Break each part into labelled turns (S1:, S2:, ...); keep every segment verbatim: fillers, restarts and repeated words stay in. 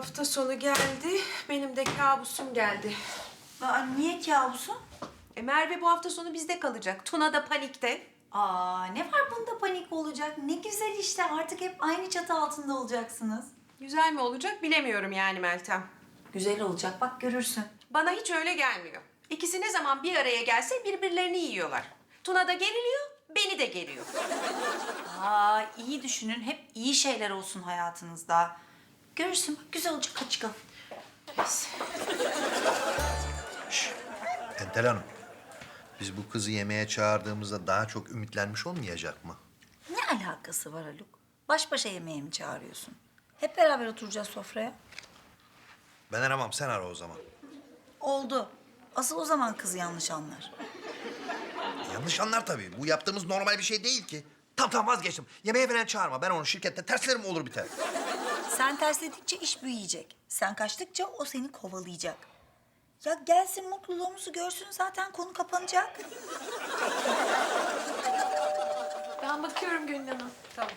S1: Hafta sonu geldi, benim de kabusum geldi.
S2: Aa, niye kabusun?
S1: E Merve bu hafta sonu bizde kalacak. Tuna da panikte.
S2: Aa, ne var bunda panik olacak? Ne güzel işte, artık hep aynı çatı altında olacaksınız.
S1: Güzel mi olacak bilemiyorum yani Meltem.
S2: Güzel olacak, bak görürsün.
S1: Bana hiç öyle gelmiyor. İkisi ne zaman bir araya gelse birbirlerini yiyorlar. Tuna da geriliyor, beni de geriyor.
S2: Aa, iyi düşünün, hep iyi şeyler olsun hayatınızda. Görürsün, bak güzel olacak, hadi çıkalım.
S1: Neyse.
S3: Entel Hanım, biz bu kızı yemeğe çağırdığımızda daha çok ümitlenmiş olmayacak mı?
S2: Ne alakası var Haluk? Baş başa yemeğe mi çağırıyorsun? Hep beraber oturacağız sofraya.
S3: Ben aramam, sen ara o zaman.
S2: Oldu. Asıl o zaman kız yanlış anlar.
S3: Yanlış anlar tabii. Bu yaptığımız normal bir şey değil ki. Tamam tamam vazgeçtim. Yemeğe falan çağırma. Ben onu şirkette terslerim olur biter.
S2: Sen tersledikçe iş büyüyecek. Sen kaçtıkça o seni kovalayacak. Ya gelsin, mutluluğumuzu görsün, zaten konu kapanacak.
S1: Ben bakıyorum Gönül Hanım. Tamam.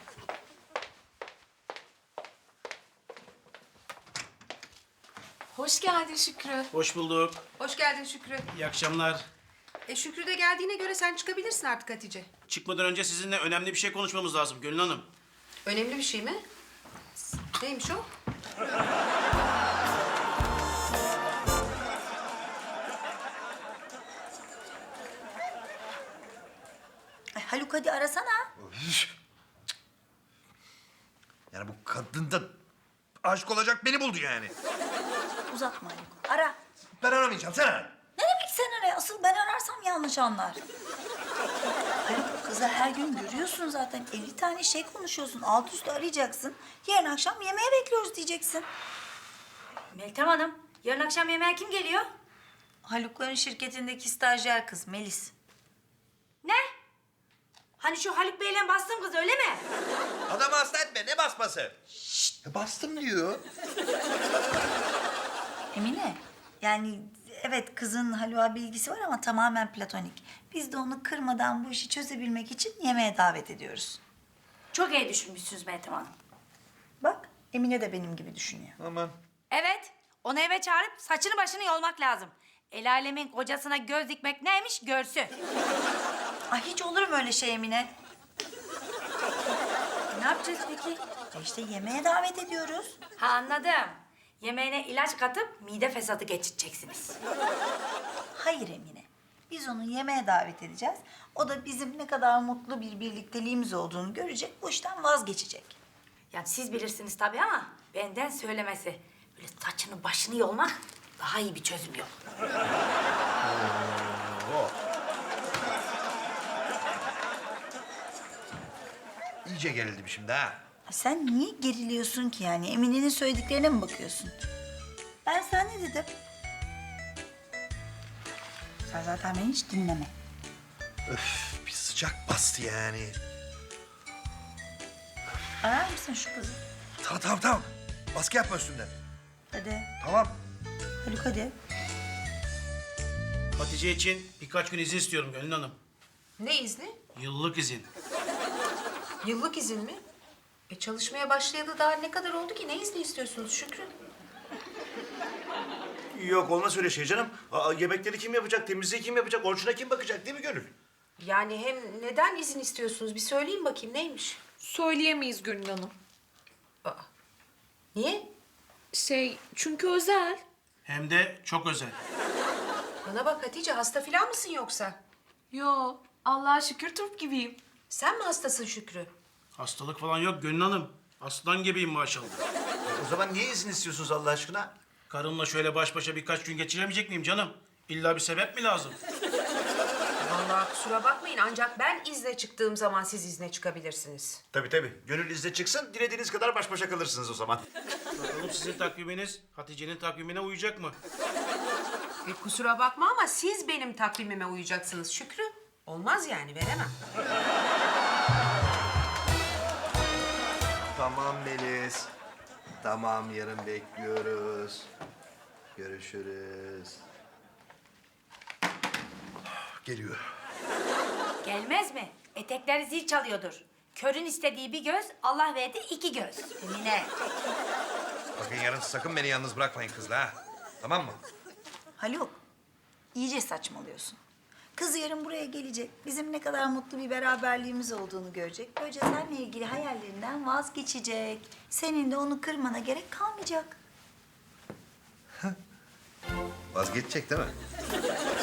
S1: Hoş geldin Şükrü.
S4: Hoş bulduk.
S1: Hoş geldin Şükrü.
S4: İyi akşamlar.
S1: E Şükrü de geldiğine göre sen çıkabilirsin artık Hatice.
S4: Çıkmadan önce sizinle önemli bir şey konuşmamız lazım Gönül Hanım.
S1: Önemli bir şey mi? Neymiş o?
S2: Ay Haluk, hadi arasana.
S3: Yani bu kadın da aşık olacak beni buldu yani.
S2: Uzatma Haluk. Ara.
S3: Ben aramayacağım, sen ara.
S2: Ne demek sen ara? Asıl ben ararsam yanlış anlar. Haluk, kızı her gün görüyorsun zaten. elli tane şey konuşuyorsun. Alt üstü arayacaksın. Yarın akşam yemeğe bekliyoruz diyeceksin.
S5: Meltem Hanım, yarın akşam yemeğe kim geliyor?
S2: Haluk'ların şirketindeki stajyer kız Melis.
S5: Ne? Hani şu Haluk Bey'le bastığım kız öyle mi?
S3: Adamı hasta etme, ne basması? Şşt, bastım diyor.
S2: Emine, yani evet kızın Haluk'a bilgisi var ama tamamen platonik. Biz de onu kırmadan bu işi çözebilmek için yemeğe davet ediyoruz.
S5: Çok iyi düşünmüşsünüz Meltem Hanım.
S2: Bak, Emine de benim gibi düşünüyor.
S3: Aman.
S5: Evet, onu eve çağırıp saçını başını yolmak lazım. El alemin kocasına göz dikmek neymiş görsün.
S2: Ay hiç olur mu öyle şey Emine?
S5: Ne yapacağız peki?
S2: Ya işte yemeğe davet ediyoruz.
S5: Ha anladım. Yemeğine ilaç katıp mide fesadı geçireceksiniz.
S2: Hayır Emine. Biz onu yemeğe davet edeceğiz. O da bizim ne kadar mutlu bir birlikteliğimiz olduğunu görecek, bu işten vazgeçecek.
S5: Yani siz bilirsiniz tabii ama benden söylemesi. Böyle saçını başını yolmak daha iyi bir çözüm yolu.
S3: Oo. İyice gerildim şimdi ha.
S2: Sen niye geriliyorsun ki yani? Emine'nin söylediklerine mi bakıyorsun? Ben sana ne dedim? Sen zaten beni hiç dinleme.
S3: Öf, bir sıcak bastı yani.
S2: Arar mısın şu kızı?
S3: Tamam tamam tamam. Baskı yapma üstümden.
S2: Hadi.
S3: Tamam.
S2: Haluk hadi.
S4: Hatice için birkaç gün izin istiyorum Gönül Hanım.
S1: Ne izni?
S4: Yıllık izin.
S1: Yıllık izin mi? E çalışmaya başlayalı daha ne kadar oldu ki? Ne izni istiyorsunuz Şükrü?
S6: Yok olmaz öyle şey canım. Aa, yemekleri kim yapacak, temizliği kim yapacak, orucuna kim bakacak değil mi Gönül?
S1: Yani hem neden izin istiyorsunuz? Bir söyleyin bakayım neymiş?
S7: Söyleyemeyiz Gönül Hanım.
S1: Aa, niye?
S7: Şey, çünkü özel.
S4: Hem de çok özel.
S1: Bana bak Hatice, hasta falan mısın yoksa?
S7: Yo, Allah'a şükür turp gibiyim.
S1: Sen mi hastasın Şükrü?
S4: Hastalık falan yok Gönül Hanım. Aslan gibiyim maşallah.
S6: O zaman niye izin istiyorsunuz Allah aşkına?
S4: Karımla şöyle baş başa birkaç gün geçiremeyecek miyim canım? İlla bir sebep mi lazım?
S1: Vallahi kusura bakmayın ancak ben izne çıktığım zaman siz izne çıkabilirsiniz.
S6: Tabii tabii. Gönül izne çıksın, dilediğiniz kadar baş başa kalırsınız o zaman.
S4: Bakalım sizin takviminiz Hatice'nin takvimine uyacak mı?
S1: E kusura bakma ama siz benim takvimime uyacaksınız Şükrü. Olmaz yani, veremem.
S3: Tamam Melis. Tamam, yarın bekliyoruz. Görüşürüz. Geliyor.
S5: Gelmez mi? Etekleri zil çalıyordur. Körün istediği bir göz, Allah verdi iki göz.
S2: Emine.
S3: Bakın yarın sakın beni yalnız bırakmayın kızla ha. Tamam mı?
S2: Haluk, iyice saçmalıyorsun. Kız yarın buraya gelecek. Bizim ne kadar mutlu bir beraberliğimiz olduğunu görecek. Böylece seninle ilgili hayallerinden vazgeçecek. Senin de onu kırmana gerek kalmayacak.
S3: Vazgeçecek değil mi?